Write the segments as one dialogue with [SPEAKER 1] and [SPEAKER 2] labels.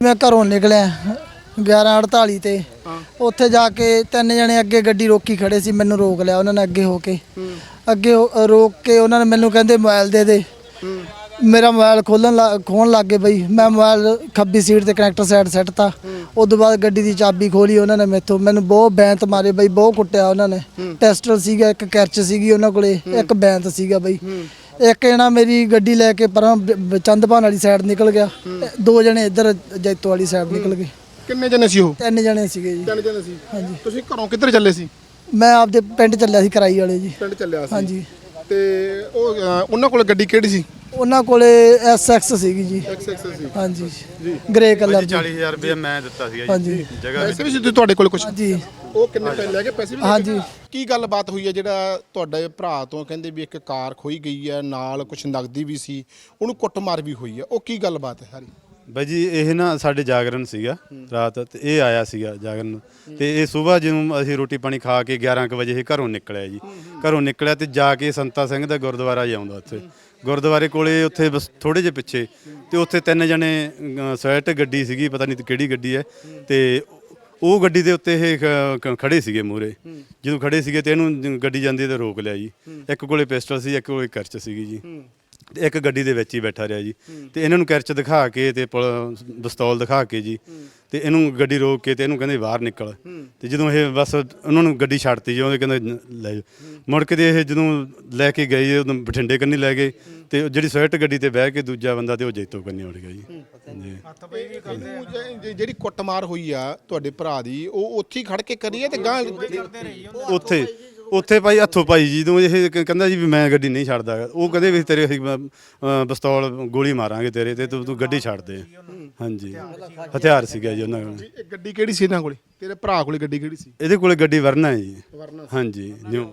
[SPEAKER 1] मैं घरों निकलिया 11:48 ते उत्थे जाके 3 जने अगे गड्डी रोकी खड़े सी। मैनू रोक लिया उन्होंने अगे होके रोक के उन्होंने मैनू कहते मोबाइल दे मेरा मोबाइल खोलन लग गए बई। मैं मोबाइल खब्बी सीट ते कनैक्टर साइड सैटता। उस तो बाद गड्डी की चाबी खोली उन्होंने मेथों। मैनू बहुत बैंत मारे बई, बहुत कुट्टिया उन्होंने। टेस्टर सीगा, एक कैरच सीगी उन्होंने कोले, एक बैंत सीगा बई। एक जना मेरी गड्डी लैके पर चंदभान वाली साइड निकल गया, 2 जने इधर जैतो वाली साइड निकल गए।
[SPEAKER 2] किन्ने जने सी ਉਹ
[SPEAKER 1] 3 जने ਸੀਗੇ ਜੀ।
[SPEAKER 2] 3 ਜਣੇ ਸੀ।
[SPEAKER 1] ਹਾਂਜੀ।
[SPEAKER 2] ਤੁਸੀਂ ਘਰੋਂ ਕਿੱਧਰ ਚੱਲੇ ਸੀ?
[SPEAKER 1] ਮੈਂ ਆਪਦੇ ਪਿੰਡ ਚੱਲਿਆ ਸੀ ਕਰਾਈ ਵਾਲੇ ਜੀ।
[SPEAKER 2] ਪਿੰਡ ਚੱਲਿਆ ਸੀ।
[SPEAKER 1] ਹਾਂਜੀ।
[SPEAKER 2] ਤੇ ਉਹ ਉਹਨਾਂ ਕੋਲ ਗੱਡੀ ਕਿਹੜੀ ਸੀ?
[SPEAKER 1] ਉਹਨਾਂ ਕੋਲੇ SX ਸੀਗੀ ਜੀ।
[SPEAKER 2] XX ਸੀ।
[SPEAKER 1] ਹਾਂਜੀ ਜੀ, ਗ੍ਰੇ ਕਲਰ ਦੀ।
[SPEAKER 3] 40,000 ਰੁਪਏ ਮੈਂ ਦਿੱਤਾ ਸੀਗਾ ਜੀ।
[SPEAKER 1] ਹਾਂਜੀ
[SPEAKER 3] ਜਗ੍ਹਾ
[SPEAKER 2] ਪੈਸੇ ਵੀ ਸੀ ਤੁਹਾਡੇ ਕੋਲ ਕੁਝ?
[SPEAKER 1] ਹਾਂਜੀ
[SPEAKER 2] ਉਹ ਕਿੰਨੇ ਪੈਸੇ ਲੈ ਕੇ ਪੈਸੇ ਵੀ?
[SPEAKER 1] ਹਾਂਜੀ।
[SPEAKER 2] ਕੀ ਗੱਲਬਾਤ ਹੋਈ ਹੈ ਜਿਹੜਾ ਤੁਹਾਡੇ ਭਰਾ ਤੋਂ ਕਹਿੰਦੇ ਵੀ ਇੱਕ ਕਾਰ ਖੋਈ ਗਈ ਹੈ, ਨਾਲ ਕੁਝ ਨਗਦੀ ਵੀ ਸੀ, ਉਹਨੂੰ ਕੁੱਟਮਾਰ ਵੀ ਹੋਈ ਹੈ, ਉਹ ਕੀ ਗੱਲਬਾਤ ਹੈ ਸਾਰੀ?
[SPEAKER 3] ਬਾਈ ਜੀ ਇਹ ਨਾ ਸਾਡੇ ਜਾਗਰਣ ਸੀਗਾ ਰਾਤ, ਤੇ ਇਹ ਆਇਆ ਸੀਗਾ ਜਾਗਰਣ, ਤੇ ਇਹ ਸਵੇਰ ਜਦੋਂ ਅਸੀਂ ਰੋਟੀ ਪਾਣੀ ਖਾ ਕੇ 11 ਕੁ ਵਜੇ ਇਹ ਘਰੋਂ ਨਿਕਲਿਆ ਜੀ। ਘਰੋਂ ਨਿਕਲਿਆ ਤੇ ਜਾ ਕੇ ਸੰਤਾ ਸਿੰਘ ਦਾ ਗੁਰਦੁਆਰਾ ਜਾਉਂਦਾ, ਉੱਥੇ ਗੁਰਦੁਆਰੇ ਕੋਲੇ ਉੱਥੇ ਬਸ ਥੋੜੇ ਜਿਹੇ ਪਿੱਛੇ, ਤੇ ਉੱਥੇ 3 ਜਣੇ ਸਵੈਟ ਗੱਡੀ ਸੀਗੀ, ਪਤਾ ਨਹੀਂ ਕਿਹੜੀ ਗੱਡੀ ਹੈ, ਤੇ ਉਹ ਗੱਡੀ ਦੇ ਉੱਤੇ ਇਹ ਖੜੇ ਸੀਗੇ ਮੂਹਰੇ। ਜਦੋਂ ਖੜੇ ਸੀਗੇ ਤੇ ਇਹਨੂੰ ਗੱਡੀ ਜਾਂਦੀ ਤੇ ਰੋਕ ਲਿਆ ਜੀ। ਇੱਕ ਕੋਲੇ ਪਿਸਟਲ ਸੀ, ਇੱਕ ਕੋਲੇ ਕਰਚ ਸੀਗੀ ਜੀ, ਤੇ ਇੱਕ ਗੱਡੀ ਦੇ ਵਿੱਚ ਹੀ ਬੈਠਾ ਰਿਹਾ ਜੀ। ਤੇ ਇਹਨਾਂ ਨੂੰ ਕਰਚ ਦਿਖਾ ਕੇ ਤੇ ਪਿਸਤੌਲ ਦਿਖਾ ਕੇ ਜੀ, ਤੇ ਇਹਨੂੰ ਗੱਡੀ ਰੋਕ ਕੇ ਤੇ ਇਹਨੂੰ ਕਹਿੰਦੇ ਬਾਹਰ ਨਿਕਲ। ਤੇ ਜਦੋਂ ਇਹ ਬਸ ਉਹਨਾਂ ਨੂੰ ਗੱਡੀ ਛੱਡਤੀ ਜੀ, ਉਹਦੇ ਕਹਿੰਦੇ ਲੈ ਜਾਓ। ਮੁੜ ਕੇ ਤੇ ਇਹ ਜਦੋਂ ਲੈ ਕੇ ਗਏ ਉਦੋਂ ਬਠਿੰਡੇ ਕੰਨੀ ਲੈ ਗਏ, ਤੇ ਜਿਹੜੀ ਸਵਿਫਟ ਗੱਡੀ ਤੇ ਬਹਿ ਕੇ ਦੂਜਾ ਬੰਦਾ ਤੇ ਉਹ ਜੈਤੋ ਕੰਨੀ ਉੜ ਗਿਆ ਜੀ।
[SPEAKER 2] ਜਿਹੜੀ ਕੁੱਟਮਾਰ ਹੋਈ ਆ ਤੁਹਾਡੇ ਭਰਾ ਦੀ, ਉਹ ਉੱਥੇ ਹੀ ਖੜ ਕੇ ਕਰੀ ਹੈ ਤੇ ਗਾਂ
[SPEAKER 3] ਉੱਥੇ ਭਾਈ ਹੱਥੋਂ ਭਾਈ ਜੀ ਤੋਂ ਇਹ ਕਹਿੰਦਾ ਜੀ ਵੀ ਮੈਂ ਗੱਡੀ ਨਹੀਂ ਛੱਡਦਾ। ਉਹ ਕਹਿੰਦੇ ਵੀ ਤੇਰੇ ਅਸੀਂ ਪਿਸਤੌਲ ਗੋਲੀ ਮਾਰਾਂਗੇ ਤੇਰੇ ਤੇ, ਤੂੰ ਗੱਡੀ ਛੱਡ ਦੇ। ਹਾਂਜੀ, ਹਥਿਆਰ ਸੀਗਾ ਜੀ ਉਹਨਾਂ ਕੋਲ।
[SPEAKER 2] ਇਹ ਗੱਡੀ ਕਿਹੜੀ ਸੀ ਇਹਨਾਂ ਕੋਲੇ? ਤੇਰੇ ਭਰਾ ਕੋਲੇ ਗੱਡੀ ਕਿਹੜੀ ਸੀ?
[SPEAKER 3] ਇਹਦੇ ਕੋਲੇ ਗੱਡੀ ਵਰਨਾ ਹੈ ਜੀ। ਹਾਂਜੀ, ਨਿਊ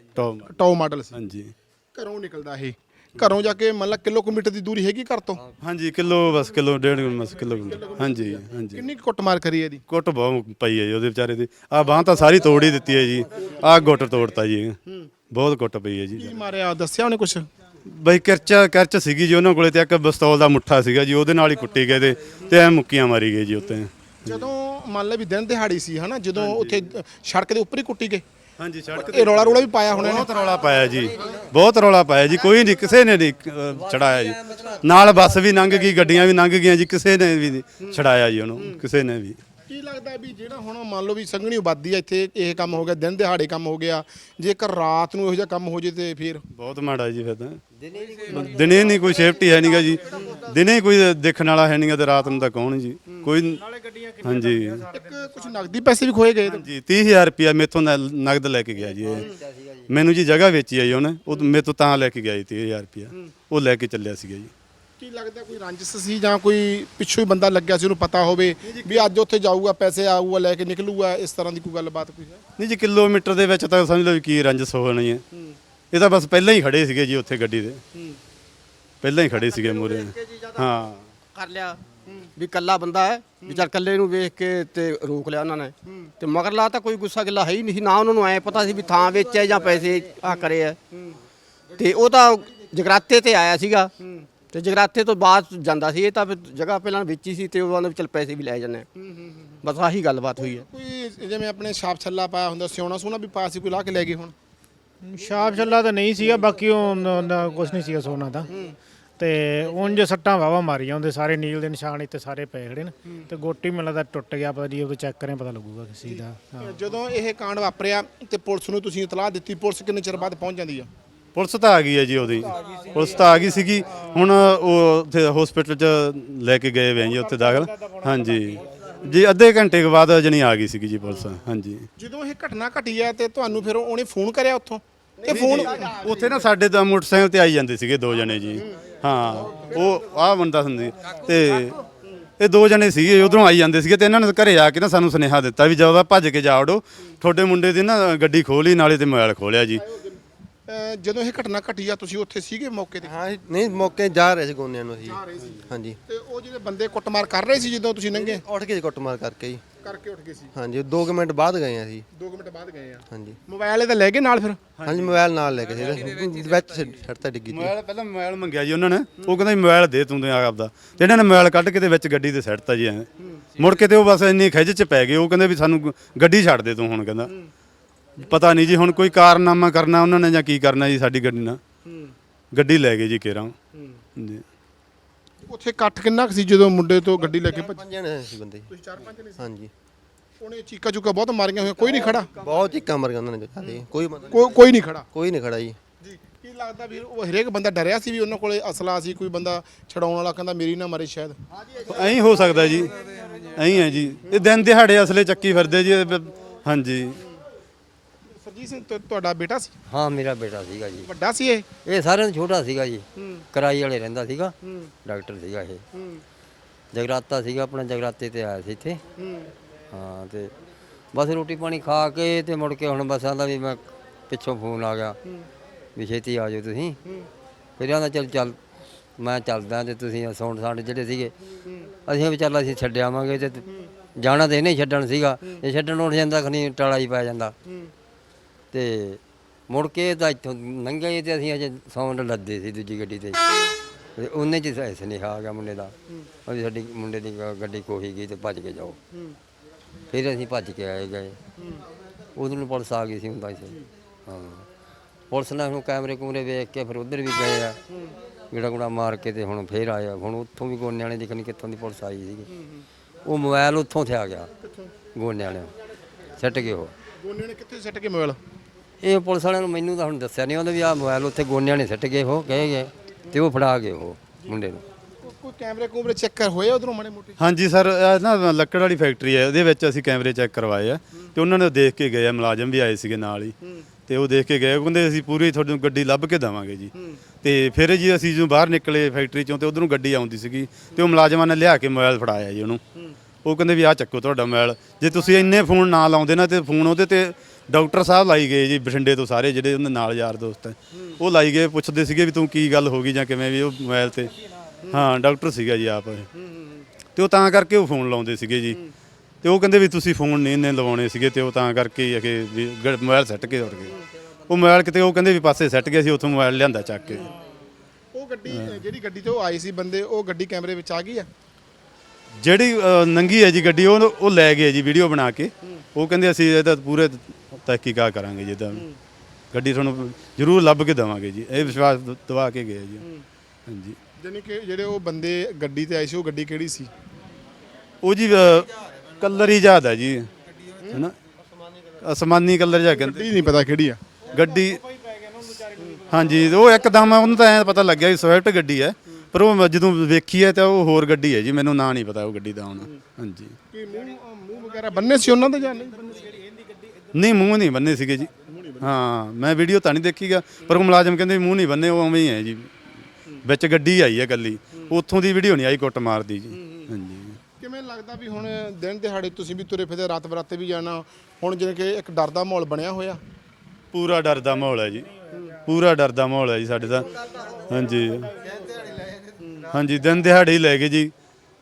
[SPEAKER 2] ਟੌਪ ਮਾਡਲ ਸੀ।
[SPEAKER 3] ਹਾਂਜੀ।
[SPEAKER 2] ਘਰੋਂ ਨਿਕਲਦਾ ਇਹ, ਘਰੋਂ ਜਾ ਕੇ ਮਤਲਬ ਕਿਲੋਮੀਟਰ ਦੀ ਦੂਰੀ ਹੈਗੀ ਘਰ ਤੋਂ?
[SPEAKER 3] ਹਾਂਜੀ, ਬਸ ਕਿਲੋ 1.5 ਕਿਲੋਮੀਟਰ। ਹਾਂਜੀ ਹਾਂਜੀ।
[SPEAKER 2] ਕਿੰਨੀ ਕੁੱਟਮਾਰ ਕਰੀ ਇਹਦੀ?
[SPEAKER 3] ਕੁੱਟ ਬਹੁਤ ਪਈ ਹੈ ਜੀ ਉਹਦੇ ਵਿਚਾਰੇ ਦੀ। ਆਹ ਬਾਂਹ ਤਾਂ ਸਾਰੀ ਤੋੜ ਹੀ ਦਿੱਤੀ ਹੈ ਜੀ। ਆਹ ਗੁੱਟ ਤੋੜਤਾ ਜੀ, ਬਹੁਤ ਕੁੱਟ ਪਈ ਹੈ ਜੀ।
[SPEAKER 2] ਕੀ ਮਾਰਿਆ ਦੱਸਿਆ ਉਹਨੇ ਕੁਛ?
[SPEAKER 3] ਬਈ ਕਰਚ ਸੀਗੀ ਜੀ ਉਹਨਾਂ ਕੋਲੇ, ਤੇ ਇੱਕ ਪਿਸਤੌਲ ਦਾ ਮੁੱਠਾ ਸੀਗਾ ਜੀ, ਉਹਦੇ ਨਾਲ ਹੀ ਕੁੱਟੀ ਗਏ ਤੇ ਐ ਮੁੱਕੀਆਂ ਮਾਰੀ ਗਏ ਜੀ ਉੱਤੇ।
[SPEAKER 2] ਜਦੋਂ ਮੰਨ ਲੈ ਵੀ ਦਿਨ ਦਿਹਾੜੀ ਸੀ ਹਨਾ, ਜਦੋਂ ਉੱਥੇ ਸੜਕ ਦੇ ਉੱਪਰ ਹੀ ਕੁੱਟੀ ਗਏ?
[SPEAKER 3] ਹਾਂਜੀ, ਸੜਕ
[SPEAKER 2] ਇਹ ਰੌਲਾ ਵੀ ਪਾਇਆ ਹੋਣਾ?
[SPEAKER 3] ਬਹੁਤ ਰੌਲਾ ਪਾਇਆ ਜੀ, ਬਹੁਤ ਰੌਲਾ ਪਾਇਆ ਜੀ। ਕੋਈ ਨਹੀਂ, ਕਿਸੇ ਨੇ ਨਹੀਂ ਛੜਾਇਆ ਜੀ। ਨਾਲ ਬੱਸ ਵੀ ਲੰਘ ਗਈ, ਗੱਡੀਆਂ ਵੀ ਲੰਘ ਗਈਆਂ ਜੀ, ਕਿਸੇ ਨੇ ਵੀ ਨਹੀਂ ਛੜਾਇਆ ਜੀ ਉਹਨੂੰ, ਕਿਸੇ ਨੇ ਵੀ।
[SPEAKER 2] ਕੀ ਲੱਗਦਾ ਵੀ ਜਿਹੜਾ ਹੁਣ ਮੰਨ ਲਓ ਵੀ ਸੰਘਣੀ ਆਬਾਦੀ ਆ ਇੱਥੇ, ਇਹ ਕੰਮ ਹੋ ਗਿਆ, ਦਿਨ ਦਿਹਾੜੇ ਕੰਮ ਹੋ ਗਿਆ, ਜੇਕਰ ਰਾਤ ਨੂੰ ਇਹੋ ਜਿਹਾ ਕੰਮ ਹੋ ਜੇ ਤੇ ਫਿਰ
[SPEAKER 3] ਬਹੁਤ ਮਾੜਾ ਜੀ। ਫਿਰ ਤਾਂ ਦਿਨੇ ਨਹੀਂ ਕੋਈ ਸੇਫਟੀ ਹੈ ਨਹੀਂਗਾ ਜੀ, ਦਿਨੇ ਕੋਈ ਦੇਖਣ ਵਾਲਾ ਹੈ ਨਹੀਂਗਾ, ਤੇ ਰਾਤ ਨੂੰ ਤਾਂ ਕੌਣ ਜੀ ਕੋਈ। ਹਾਂਜੀ,
[SPEAKER 2] ਇੱਕ ਕੁਝ ਨਗਦੀ ਪੈਸੇ ਵੀ ਖੋਏ ਗਏ?
[SPEAKER 3] ਹਾਂਜੀ, 30,000 ਰੁਪਇਆ ਮੇਥੋਂ ਨਗਦ ਲੈ ਕੇ ਗਿਆ ਜੀ ਇਹ। ਮੈਨੂੰ ਜੀ ਜਗ੍ਹਾ ਵੇਚੀ ਆ ਜੀ ਉਹਨੇ, ਉਹ ਮੇਥੋਂ ਤਾਂ ਲੈ ਕੇ ਗਿਆ ਜੀ 30,000 ਰੁਪਇਆ, ਉਹ ਲੈ ਕੇ ਚੱਲਿਆ ਸੀਗਾ ਜੀ।
[SPEAKER 2] ਕੀ ਲੱਗਦਾ ਕੋਈ ਰੰਜਿਸ਼ ਸੀ ਜਾਂ ਕੋਈ ਪਿੱਛੋਂ ਹੀ ਬੰਦਾ ਲੱਗਿਆ ਸੀ, ਉਹਨੂੰ ਪਤਾ ਹੋਵੇ ਵੀ ਅੱਜ ਉੱਥੇ ਜਾਊਗਾ, ਪੈਸੇ ਆਊਗਾ, ਲੈ ਕੇ ਨਿਕਲੂਗਾ, ਇਸ ਤਰ੍ਹਾਂ ਦੀ ਕੋਈ ਗੱਲਬਾਤ ਕੋਈ ਹੈ?
[SPEAKER 3] ਨਹੀਂ ਜੀ, ਕਿਲੋਮੀਟਰ ਦੇ ਵਿੱਚ ਤਾਂ ਸਮਝ ਲਓ ਵੀ ਕੀ ਰੰਜਸ ਹੋਣੀ ਹੈ। ਇਹ ਤਾਂ ਬਸ ਪਹਿਲਾਂ ਹੀ ਖੜੇ ਸੀਗੇ ਜੀ ਉੱਥੇ ਗੱਡੀ ਦੇ, ਪਹਿਲਾਂ ਹੀ ਖੜੇ ਸੀਗੇ ਮੂਹਰੇ। ਹਾਂ,
[SPEAKER 4] ਕਰ ਲਿਆ ਵੀ ਕੱਲਾ ਬੰਦਾ ਹੈ ਵੀ ਚੱਲ ਕੱਲੇ ਨੂੰ ਵੇਖ ਕੇ ਤੇ ਰੋਕ ਲਿਆ ਉਹਨਾਂ ਨੇ, ਤੇ ਮਗਰਲਾ ਤਾਂ ਕੋਈ ਗੁੱਸਾ ਗਿੱਲਾ ਹੈ ਹੀ ਨਹੀਂ ਸੀ ਨਾ। ਉਹਨਾਂ ਨੂੰ ਐ ਪਤਾ ਸੀ ਵੀ ਥਾਂ ਵੇਚਿਆ ਜਾਂ ਪੈਸੇ ਆ ਕਰੇ ਆ। ਤੇ ਉਹ ਤਾਂ ਜਗਰਾਤੇ ਤੇ ਆਇਆ ਸੀਗਾ, ਤੇ ਜਗਰਾਤੇ ਤੋਂ ਬਾਅਦ ਜਾਂਦਾ ਸੀ। ਇਹ ਤਾਂ ਜਗ੍ਹਾ ਪਹਿਲਾਂ ਵੇਚੀ ਸੀ, ਤੇ ਉਹਨਾਂ ਦੇ ਚੱਲ ਪੈਸੇ ਵੀ ਲੈ ਜਾਂਦੇ। ਬਸ ਆਹੀ ਗੱਲਬਾਤ ਹੋਈ ਹੈ।
[SPEAKER 2] ਕੋਈ ਜਿਵੇਂ ਆਪਣੇ ਛਾਪ ਛੱਲਾ ਪਾਇਆ ਹੁੰਦਾ, ਸਿਉਣਾ ਸੋਨਾ ਵੀ ਪਾਇਆ ਸੀ, ਕੋਈ ਲਾ ਕੇ ਲੈ ਗਏ? ਹੁਣ
[SPEAKER 5] ਛਾਪ ਛੱਲਾ ਤਾਂ ਨਹੀਂ ਸੀਗਾ, ਬਾਕੀ ਉਹ ਕੁਛ ਨਹੀਂ ਸੀਗਾ ਸੋਨਾ ਦਾ। ਤੇ ਉਂਝ ਸੱਟਾਂ ਵਾਵਾ ਮਾਰੀਆਂ ਹੁੰਦੇ, ਸਾਰੇ ਨੀਲ ਦੇ ਨਿਸ਼ਾਨ ਇੱਥੇ ਸਾਰੇ ਪਏ ਖੜੇ ਨੇ, ਤੇ ਗੋਟੀ ਮੈਨੂੰ ਲੱਗਦਾ ਟੁੱਟ ਗਿਆ, ਪਤਾ ਨਹੀਂ, ਉਹ ਚੈੱਕ ਕਰਿਆ ਪਤਾ ਲੱਗੂਗਾ ਕਿਸੇ ਦਾ।
[SPEAKER 2] ਜਦੋਂ ਇਹ ਕਾਂਡ ਵਾਪਰਿਆ ਤੇ ਪੁਲਿਸ ਨੂੰ ਤੁਸੀਂ ਇਤਲਾਹ ਦਿੱਤੀ, ਪੁਲਿਸ ਕਿੰਨੇ ਚਿਰ ਬਾਅਦ ਪਹੁੰਚ ਜਾਂਦੀ ਆ?
[SPEAKER 3] ਪੁਲਿਸ ਤਾਂ ਆ ਗਈ ਹੈ ਜੀ, ਉਹਦੀ ਪੁਲਿਸ ਤਾਂ ਆ ਗਈ ਸੀਗੀ। ਹੁਣ ਉਹ ਉੱਥੇ ਹਸਪੀਟਲ 'ਚ ਲੈ ਕੇ ਗਏ ਵੇ ਜੀ, ਉੱਥੇ ਦਾਖਲ। ਹਾਂਜੀ ਜੀ, ਅੱਧੇ ਘੰਟੇ ਕੁ ਬਾਅਦ ਜਣੀ ਆ ਗਈ ਸੀਗੀ ਜੀ ਪੁਲਿਸ। ਹਾਂਜੀ,
[SPEAKER 2] ਜਦੋਂ ਇਹ ਘਟਨਾ ਘਟੀ ਹੈ ਤੇ ਤੁਹਾਨੂੰ ਫਿਰ ਉਹਨੇ ਫੋਨ ਕਰਿਆ ਉੱਥੋਂ? ਤੇ ਫੋਨ
[SPEAKER 3] ਉੱਥੇ ਨਾ ਸਾਡੇ ਤਾਂ ਮੋਟਰਸਾਈਕਲ ਤੇ ਆਈ ਜਾਂਦੇ ਸੀਗੇ 2 ਜਣੇ ਜੀ। ਹਾਂ, ਉਹ ਆਹ ਬੰਦਾ ਹੁੰਦੀ, ਤੇ ਇਹ 2 ਜਣੇ ਸੀਗੇ, ਉਧਰੋਂ ਆਈ ਜਾਂਦੇ ਸੀਗੇ, ਤੇ ਇਹਨਾਂ ਨੇ ਘਰੇ ਆ ਕੇ ਨਾ ਸਾਨੂੰ ਸੁਨੇਹਾ ਦਿੱਤਾ ਵੀ ਜਦੋਂ ਭੱਜ ਕੇ ਜਾ ਵੜੋ, ਤੁਹਾਡੇ ਮੁੰਡੇ ਦੀ ਨਾ ਗੱਡੀ ਖੋਲੀ, ਨਾਲੇ ਤੇ ਮੋਬਾਈਲ ਖੋਲਿਆ ਜੀ।
[SPEAKER 2] ਜਦੋਂ ਇਹ ਘਟਨਾ ਘਟੀ ਆ ਤੁਸੀਂ ਉੱਥੇ ਸੀਗੇ ਮੌਕੇ ਤੇ?
[SPEAKER 6] ਹਾਂ ਨਹੀਂ, ਮੌਕੇ ਜਾ ਰਹੇ ਸੀ ਗੋਨਿਆਂ ਨੂੰ ਅਸੀਂ। ਹਾਂਜੀ,
[SPEAKER 2] ਤੇ ਉਹ ਜਿਹੜੇ ਬੰਦੇ ਕੁੱਟਮਾਰ ਕਰ ਰਹੇ ਸੀ ਜਦੋਂ ਤੁਸੀਂ ਲੰਘੇ?
[SPEAKER 6] ਉੱਠ ਕੇ ਕੁੱਟਮਾਰ ਕਰਕੇ ਜੀ
[SPEAKER 2] ਕਰਕੇ ਉੱਠ ਗਏ ਸੀ
[SPEAKER 6] ਹਾਂਜੀ 2 ਮਿੰਟ ਬਾਅਦ ਗਏ ਆ ਅਸੀਂ
[SPEAKER 2] 2 ਮਿੰਟ ਬਾਅਦ ਗਏ ਆ
[SPEAKER 6] ਹਾਂਜੀ
[SPEAKER 2] ਮੋਬਾਈਲ ਇਹਦਾ ਲੈ ਕੇ ਨਾਲ ਫਿਰ
[SPEAKER 6] ਹਾਂਜੀ ਮੋਬਾਈਲ ਨਾਲ ਲੈ ਕੇ ਸੀ ਵਿੱਚ ਛੱਡਤਾ ਡਿੱਗੀ ਤੀ
[SPEAKER 3] ਮੋਬਾਈਲ ਪਹਿਲਾਂ ਮੋਬਾਈਲ ਮੰਗਿਆ ਜੀ ਉਹਨਾਂ ਨੇ ਉਹ ਕਹਿੰਦਾ ਜੀ ਮੋਬਾਈਲ ਦੇ ਤੂੰ ਤੇ ਆਪਦਾ ਤੇ ਇਹਨਾਂ ਨੇ ਮੋਬਾਈਲ ਕੱਢ ਕੇ ਤੇ ਵਿੱਚ ਗੱਡੀ ਤੇ ਸੱਟਤਾ ਜੀ ਐਂ ਮੁੜ ਕੇ ਤੇ ਉਹ ਬਸ ਇੰਨੀ ਖਿੱਚ ਚ ਪੈ ਗਏ ਉਹ ਕਹਿੰਦੇ ਵੀ ਸਾਨੂੰ ਗੱਡੀ ਛੱਡ ਦੇ ਤੂੰ ਹੁਣ ਕਹਿੰਦਾ ਪਤਾ ਨਹੀਂ ਜੀ ਹੁਣ ਕੋਈ ਕਾਰਨਾਮਾ ਕਰਨਾ ਉਹਨਾਂ ਨੇ ਜਾਂ ਕੀ ਕਰਨਾ ਜੀ ਸਾਡੀ ਗੱਡੀ ਨਾਲ ਗੱਡੀ ਲੈ ਗਏ ਜੀ ਕੇਰਾਂ ਜੀ
[SPEAKER 2] ਉੱਥੇ ਇਕੱਠ ਕਿੰਨਾ ਕੁ ਸੀ ਜਦੋਂ ਮੁੰਡੇ ਤੋਂ ਗੱਡੀ ਲੈ ਕੇ ਭੱਜ
[SPEAKER 6] 5 ਜਣੇ ਸੀ ਬੰਦੇ
[SPEAKER 2] ਤੁਸੀਂ 4-5 ਨੇ ਸੀ
[SPEAKER 6] ਹਾਂਜੀ
[SPEAKER 2] ਉਹਨੇ ਚੀਕਾ ਚੁੱਕਾ ਬਹੁਤ ਮਾਰੀਆਂ ਹੋਈਆਂ ਕੋਈ ਨਹੀਂ ਖੜਾ
[SPEAKER 6] ਬਹੁਤ ਚੀਕਾਂ ਮਰ ਗਿਆ ਉਹਨਾਂ ਨੇ ਜਿਆਦਾ ਕੋਈ
[SPEAKER 2] ਕੋਈ ਨਹੀਂ ਖੜਾ
[SPEAKER 6] ਕੋਈ ਨਹੀਂ ਖੜਾ ਜੀ
[SPEAKER 2] ਜੀ ਕੀ ਲੱਗਦਾ ਵੀ ਉਹ ਹਰੇਕ ਬੰਦਾ ਡਰਿਆ ਸੀ ਵੀ ਉਹਨਾਂ ਕੋਲੇ ਅਸਲਾ ਸੀ ਕੋਈ ਬੰਦਾ ਛਡਾਉਣ ਵਾਲਾ ਕਹਿੰਦਾ ਮੇਰੀ ਨਾ ਮਾਰੇ ਸ਼ਾਇਦ
[SPEAKER 3] ਐਂ ਹੋ ਸਕਦਾ ਜੀ ਐਂ ਹੈ ਜੀ ਇਹ ਦਿਨ ਦਿਹਾੜੇ ਅਸਲੇ ਚੱਕੀ ਫਿਰਦੇ ਜੀ ਹਾਂਜੀ
[SPEAKER 2] ਸਰਜੀਤ ਸਿੰਘ ਤੁਹਾਡਾ ਬੇਟਾ ਸੀ
[SPEAKER 7] ਹਾਂ ਮੇਰਾ ਬੇਟਾ ਸੀਗਾ ਜੀ
[SPEAKER 2] ਵੱਡਾ ਸੀ ਇਹ
[SPEAKER 7] ਸਾਰਿਆਂ ਤੋਂ ਛੋਟਾ ਸੀਗਾ ਜੀ ਕਰਾਈ ਵਾਲੇ ਰਹਿੰਦਾ ਸੀਗਾ ਡਾਕਟਰ ਸੀਗਾ ਇਹ ਜਗਰਾਤਾ ਸੀਗਾ ਆਪਣਾ ਜਗਰਾਤੇ ਤੇ ਆਇਆ ਸੀ ਇੱਥੇ ਹਾਂ ਤੇ ਬਸ ਰੋਟੀ ਪਾਣੀ ਖਾ ਕੇ ਤੇ ਮੁੜ ਕੇ ਹੁਣ ਬਸ ਆਂਦਾ ਵੀ ਮੈਂ ਪਿੱਛੋਂ ਫੋਨ ਆ ਗਿਆ ਵੀ ਛੇਤੀ ਆ ਜਾਓ ਤੁਸੀਂ ਫਿਰ ਆਂਦਾ ਚੱਲ ਮੈਂ ਚੱਲਦਾ ਤੇ ਤੁਸੀਂ ਸੌਂਡ ਸਾਡੇ ਜਿਹੜੇ ਸੀਗੇ ਅਸੀਂ ਵੀ ਚੱਲ ਅਸੀਂ ਛੱਡ ਆਵਾਂਗੇ ਤੇ ਜਾਣਾ ਤੇ ਇਹਨੇ ਛੱਡਣ ਸੀਗਾ ਇਹ ਛੱਡਣ ਉੱਠ ਜਾਂਦਾ ਖਨੀ ਟਾਲਾ ਹੀ ਪੈ ਜਾਂਦਾ ਤੇ ਮੁੜ ਕੇ ਤਾਂ ਇੱਥੋਂ ਲੰਘੇ ਤੇ ਅਸੀਂ ਅਜੇ ਸੌਂਡ ਲੱਦੇ ਸੀ ਦੂਜੀ ਗੱਡੀ ਤੇ ਤੇ ਉਹਨੇ ਚ ਸੁਨੇਹਾ ਆ ਗਿਆ ਮੁੰਡੇ ਦਾ ਵੀ ਸਾਡੀ ਮੁੰਡੇ ਦੀ ਗੱਡੀ ਕੋਹੀ ਗਈ ਤੇ ਭੱਜ ਕੇ ਜਾਓ ਫਿਰ ਅਸੀਂ ਭੱਜ ਕੇ ਆਏ ਗਏ ਉਦੋਂ ਨੂੰ ਪੁਲਿਸ ਆ ਗਈ ਸੀ ਹੁੰਦਾ ਸੀ ਹਾਂ ਪੁਲਿਸ ਨੇ ਹੁਣ ਕੈਮਰੇ ਕੂਮਰੇ ਵੇਖ ਕੇ ਫਿਰ ਉਧਰ ਵੀ ਗਏ ਆ ਗੇੜਾ ਗੁੜਾ ਮਾਰ ਕੇ ਤੇ ਹੁਣ ਫੇਰ ਆਇਆ ਹੁਣ ਉੱਥੋਂ ਵੀ ਗੋਨੇ ਵਾਲੇ ਦੇਖਣੀ ਕਿੱਥੋਂ ਦੀ ਪੁਲਿਸ ਆਈ ਸੀਗੀ ਉਹ ਮੋਬਾਈਲ ਉੱਥੋਂ ਤੇ ਆ ਗਿਆ ਗੋਨੇ ਵਾਲਿਆਂ ਸੱਟ ਗਏ ਉਹ
[SPEAKER 2] ਗੋਨੇ ਨੇ ਕਿੱਥੇ ਸੱਟ ਕੇ ਮੋਬਾਈਲ
[SPEAKER 7] ਇਹ ਪੁਲਿਸ ਵਾਲਿਆਂ ਨੂੰ ਮੈਨੂੰ ਤਾਂ ਹੁਣ ਦੱਸਿਆ ਨਹੀਂ ਉਹਨੇ ਵੀ ਆਹ ਮੋਬਾਈਲ ਉੱਥੇ ਗੋਨਿਆਂ ਨੇ ਸੱਟ ਗਏ ਉਹ ਕਹੇ ਗਏ ਤੇ ਉਹ ਫੜਾ ਗਏ ਉਹ ਮੁੰਡੇ ਨੂੰ
[SPEAKER 2] ਕੋਈ ਕੈਮਰੇ ਕੂਮਰੇ ਚੈੱਕ ਕਰ ਹੋਏ ਉਧਰੋਂ ਮਾੜੇ ਮੋਟੇ
[SPEAKER 3] ਹਾਂਜੀ ਸਰ ਇਹ ਨਾ ਲੱਕੜ ਵਾਲੀ ਫੈਕਟਰੀ ਹੈ ਉਹਦੇ ਵਿੱਚ ਅਸੀਂ ਕੈਮਰੇ ਚੈੱਕ ਕਰਵਾਏ ਆ ਤੇ ਉਹਨਾਂ ਨੇ ਦੇਖ ਕੇ ਗਏ ਆ ਮੁਲਾਜ਼ਮ ਵੀ ਆਏ ਸੀਗੇ ਨਾਲ ਹੀ ਤੇ ਉਹ ਦੇਖ ਕੇ ਗਏ ਉਹ ਕਹਿੰਦੇ ਅਸੀਂ ਪੂਰੀ ਤੁਹਾਨੂੰ ਗੱਡੀ ਲੱਭ ਕੇ ਦੇਵਾਂਗੇ ਜੀ ਤੇ ਫਿਰ ਜੀ ਅਸੀਂ ਜਦੋਂ ਬਾਹਰ ਨਿਕਲੇ ਫੈਕਟਰੀ ਚੋਂ ਤੇ ਉਧਰੋਂ ਗੱਡੀ ਆਉਂਦੀ ਸੀਗੀ ਤੇ ਉਹ ਮੁਲਾਜ਼ਮਾਂ ਨੇ ਲਿਆ ਕੇ ਮੋਬਾਈਲ ਫੜਾਇਆ ਜੀ ਉਹਨੂੰ ਉਹ ਕਹਿੰਦੇ ਵੀ ਆਹ ਚੱਕੋ ਤੁਹਾਡਾ ਮੋਬਾਈਲ ਜੇ ਤੁਸੀਂ ਇੰਨੇ ਫੋਨ ਨਾ ਲਾਉਂਦੇ ਨਾ ਤੇ ਫੋਨ ਉਹਦੇ ਤੇ ਡਾਕਟਰ ਸਾਹਿਬ ਲਾਈ ਗਏ ਜੀ ਬਠਿੰਡੇ ਤੋਂ ਸਾਰੇ ਜਿਹੜੇ ਉਹਦੇ ਨਾਲ ਯਾਰ ਦੋਸਤ ਹੈ ਉਹ ਲਾਈ ਗਏ ਪੁੱਛਦੇ ਸੀਗੇ ਵੀ ਤੂੰ ਕੀ ਗੱਲ ਹੋ ਗਈ ਜਾਂ ਕਿਵੇਂ ਵੀ ਉਹ ਮੋਬਾਈਲ ਤੇ ਹਾਂ ਡਾਕਟਰ ਸੀਗਾ ਜੀ ਆਪ ਤੇ ਉਹ ਤਾਂ ਕਰਕੇ ਉਹ ਫੋਨ ਲਾਉਂਦੇ ਸੀਗੇ ਜੀ ਤੇ ਉਹ ਕਹਿੰਦੇ ਵੀ ਤੁਸੀਂ ਫੋਨ ਨਹੀਂ ਇੰਨੇ ਲਵਾਉਣੇ ਸੀਗੇ ਤੇ ਉਹ ਤਾਂ ਕਰਕੇ ਹੀ ਅਗੇ ਵੀ ਮੋਬਾਈਲ ਸੱਟ ਕੇ ਉੱਡ ਗਏ ਉਹ ਮੋਬਾਈਲ ਕਿਤੇ ਉਹ ਕਹਿੰਦੇ ਵੀ ਪਾਸੇ ਸੱਟ ਗਿਆ ਸੀ ਉੱਥੋਂ ਮੋਬਾਈਲ ਲਿਆਂਦਾ ਚੱਕ ਕੇ
[SPEAKER 2] ਉਹ ਗੱਡੀ ਜਿਹੜੀ ਗੱਡੀ ਤੇ ਉਹ ਆਏ ਸੀ ਬੰਦੇ ਉਹ ਗੱਡੀ ਕੈਮਰੇ ਵਿੱਚ ਆ ਗਈ ਆ
[SPEAKER 3] ਜਿਹੜੀ ਨੰਗੀ ਹੈ ਜੀ ਗੱਡੀ ਉਹ ਲੈ ਗਏ ਜੀ ਵੀਡੀਓ ਬਣਾ ਕੇ ਉਹ ਕਹਿੰਦੇ ਅਸੀਂ ਇਹਦਾ ਪੂਰੇ ਤਹਿਕੀਕਾਤ ਕਰਾਂਗੇ ਜੀ ਇਹਦਾ ਗੱਡੀ ਤੁਹਾਨੂੰ ਜ਼ਰੂਰ ਲੱਭ ਕੇ ਦੇਵਾਂਗੇ ਜੀ ਇਹ ਵਿਸ਼ਵਾਸ ਦਵਾ ਕੇ ਗਏ ਜੀ ਹਾਂਜੀ
[SPEAKER 2] ਜਾਨੀ ਕਿ ਜਿਹੜੇ ਉਹ ਬੰਦੇ ਗੱਡੀ ਤੇ ਆਏ ਸੀ ਉਹ ਗੱਡੀ ਕਿਹੜੀ ਸੀ
[SPEAKER 3] ਉਹ ਜੀ ਕਲਰ ਹੀ ਜ਼ਿਆਦਾ ਜੀ ਹੈਨਾ ਅਸਮਾਨੀ ਕਲਰ ਜਿਹਾ ਕਹਿੰਦੇ
[SPEAKER 2] ਗੱਡੀ ਨਹੀਂ ਪਤਾ ਕਿਹੜੀ ਆ
[SPEAKER 3] ਗੱਡੀ ਹਾਂਜੀ ਉਹ ਇੱਕਦਮ ਉਹਨੂੰ ਤਾਂ ਐਂ ਪਤਾ ਲੱਗਿਆ ਵੀ ਸਵਿਫਟ ਗੱਡੀ ਹੈ ਪਰ ਉਹ ਜਦੋਂ ਵੇਖੀ ਹੈ ਤਾਂ ਉਹ ਹੋਰ ਗੱਡੀ ਹੈ ਜੀ ਮੈਨੂੰ ਨਾਂ ਨਹੀਂ ਪਤਾ ਉਹ ਗੱਡੀ ਦਾ ਹੁਣ ਹਾਂਜੀ
[SPEAKER 2] ਕੀ ਮੂੰਹ ਵਗੈਰਾ ਬੰਨੇ ਸੀ ਉਹਨਾਂ ਦੇ ਜਾਂ ਨਹੀਂ ਬੰਨੇ ਸੀ
[SPEAKER 3] ਨਹੀਂ ਮੂੰਹ ਨਹੀਂ ਬੰਨੇ ਸੀਗੇ ਜੀ ਹਾਂ ਮੈਂ ਵੀਡੀਓ ਤਾਂ ਨਹੀਂ ਦੇਖੀਗਾ ਪਰ ਉਹ ਮੁਲਾਜ਼ਮ ਕਹਿੰਦੇ ਮੂੰਹ ਨਹੀਂ ਬੰਨੇ ਉਹ ਉਵੇਂ ਹੀ ਹੈ ਜੀ ਵਿੱਚ ਗੱਡੀ ਆਈ ਹੈ ਇਕੱਲੀ ਉੱਥੋਂ ਦੀ ਵੀਡੀਓ ਨਹੀਂ ਆਈ ਕੁੱਟ ਮਾਰਦੀ ਜੀ ਹਾਂਜੀ
[SPEAKER 2] ਕਿਵੇਂ ਲੱਗਦਾ ਵੀ ਹੁਣ ਦਿਨ ਦਿਹਾੜੇ ਤੁਸੀਂ ਵੀ ਤੁਰੇ ਫਿਰਦੇ ਰਾਤ ਬਰਾਤੇ ਵੀ ਜਾਣਾ ਹੁਣ ਜਿਵੇਂ ਕਿ ਇੱਕ ਡਰ ਦਾ ਮਾਹੌਲ ਬਣਿਆ ਹੋਇਆ
[SPEAKER 3] ਪੂਰਾ ਡਰ ਦਾ ਮਾਹੌਲ ਹੈ ਜੀ ਪੂਰਾ ਡਰ ਦਾ ਮਾਹੌਲ ਹੈ ਜੀ ਸਾਡੇ ਦਾ ਹਾਂਜੀ ਹਾਂਜੀ ਦਿਨ ਦਿਹਾੜੇ ਹੀ ਲੈ ਗਏ ਜੀ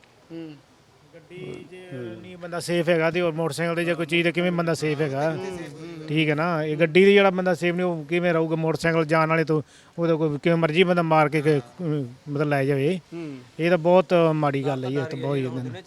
[SPEAKER 5] ਗੱਡੀ ਜੇ ਨਹੀਂ ਬੰਦਾ ਸੇਫ ਹੈਗਾ ਤੇ ਹੋਰ ਮੋਟਰਸਾਈਕਲ ਤੇ ਜੇ ਕੋਈ ਚੀਜ਼ ਤੇ ਕਿਵੇਂ ਬੰਦਾ ਸੇਫ ਹੈਗਾ ਠੀਕ ਹੈ ਨਾ ਇਹ ਗੱਡੀ ਦੀ ਜਿਹੜਾ ਬੰਦਾ ਸੇਫ ਨਹੀਂ ਉਹ ਕਿਵੇਂ ਰਹੂਗਾ ਮੋਟਰਸਾਈਕਲ ਜਾਣ ਵਾਲੇ ਤੋਂ ਉਹਦਾ ਕੋਈ ਕਿਵੇਂ ਮਰਜ਼ੀ ਬੰਦਾ ਮਾਰ ਕੇ ਮਤਲਬ ਲੈ ਜਾਵੇ ਇਹ ਤਾਂ ਬਹੁਤ ਮਾੜੀ ਗੱਲ ਹੈ ਜੀ ਇਹ ਤਾਂ ਬਹੁਤ ਹੀ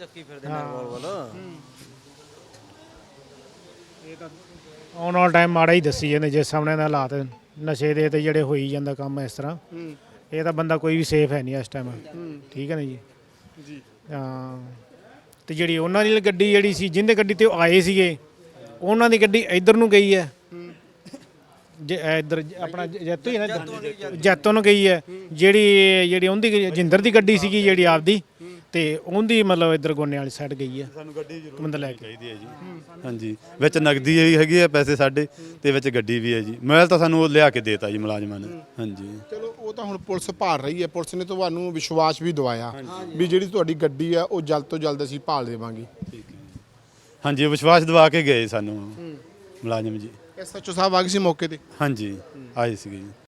[SPEAKER 5] ਆਉਣ ਵਾਲਾ ਟਾਈਮ ਮਾੜਾ ਹੀ ਦੱਸੀ ਜਾਂਦੇ ਜਿਸ ਸਾਹਮਣੇ ਦੇ ਹਾਲਾਤ ਨਸ਼ੇ ਦੇ ਤੇ ਜਿਹੜੇ ਹੋਈ ਜਾਂਦਾ ਕੰਮ ਇਸ ਤਰ੍ਹਾਂ ਇਹ ਤਾਂ ਬੰਦਾ ਕੋਈ ਵੀ ਸੇਫ ਹੈ ਨਹੀਂ ਇਸ ਟਾਈਮ ਠੀਕ ਹੈ ਨਾ ਜੀ ਹਾਂ ਤੇ ਜਿਹੜੀ ਉਹਨਾਂ ਦੀ ਗੱਡੀ ਜਿਹੜੀ ਸੀ ਜਿਹਦੇ ਗੱਡੀ ਤੇ ਉਹ ਆਏ ਸੀਗੇ ਉਹਨਾਂ ਦੀ ਗੱਡੀ ਇੱਧਰ ਨੂੰ ਗਈ ਹੈ ਜੇ ਇੱਧਰ ਆਪਣਾ ਜੈਤੋ ਹੀ ਨਾ ਜੈਤੋ ਨੂੰ ਗਈ ਹੈ ਜਿਹੜੀ ਉਹਦੀ ਜਿੰਦਰ ਦੀ ਗੱਡੀ ਸੀਗੀ ਜਿਹੜੀ ਆਪਦੀ ਤੇ ਉਹਦੀ ਮਤਲਬ ਇੱਧਰ ਗੋਨੇ ਵਾਲੀ ਸਾਈਡ ਗਈ ਹੈ
[SPEAKER 3] ਸਾਨੂੰ ਗੱਡੀ ਜ਼ਰੂਰ
[SPEAKER 5] ਬੰਦਾ ਲੈ ਕੇ
[SPEAKER 3] ਚਾਹੀਦੀ ਹੈ ਜੀ ਹਾਂਜੀ ਵਿੱਚ ਨਗਦੀ ਵੀ ਹੈਗੀ ਹੈ ਪੈਸੇ ਸਾਡੇ ਤੇ ਵਿੱਚ ਗੱਡੀ ਵੀ ਹੈ ਜੀ ਮੋਬਾਈਲ ਤਾਂ ਸਾਨੂੰ ਉਹ ਲਿਆ ਕੇ ਦੇਤਾ ਜੀ ਮੁਲਾਜ਼ਮਾਂ ਨੇ ਹਾਂਜੀ
[SPEAKER 2] ਚਲੋ ਉਹ ਤਾਂ ਹੁਣ ਪੁਲਿਸ ਭਾਲ ਰਹੀ ਹੈ ਪੁਲਿਸ ਨੇ ਤੁਹਾਨੂੰ ਵਿਸ਼ਵਾਸ ਵੀ ਦਿਵਾਇਆ ਵੀ ਜਿਹੜੀ ਤੁਹਾਡੀ ਗੱਡੀ ਆ ਉਹ ਜਲਦ ਤੋਂ ਜਲਦ ਅਸੀਂ ਭਾਲ ਦੇਵਾਂਗੇ
[SPEAKER 3] ਹਾਂਜੀ ਵਿਸ਼ਵਾਸ ਦਿਵਾ ਕੇ ਗਏ ਸਾਨੂੰ ਮੁਲਾਜ਼ਮ ਜੀ
[SPEAKER 2] ਐਸਐਚਓ ਸਾਹਿਬ ਆ ਗਏ ਸੀ ਮੌਕੇ ਤੇ
[SPEAKER 3] ਹਾਂਜੀ ਆਏ ਸੀਗੇ ਜੀ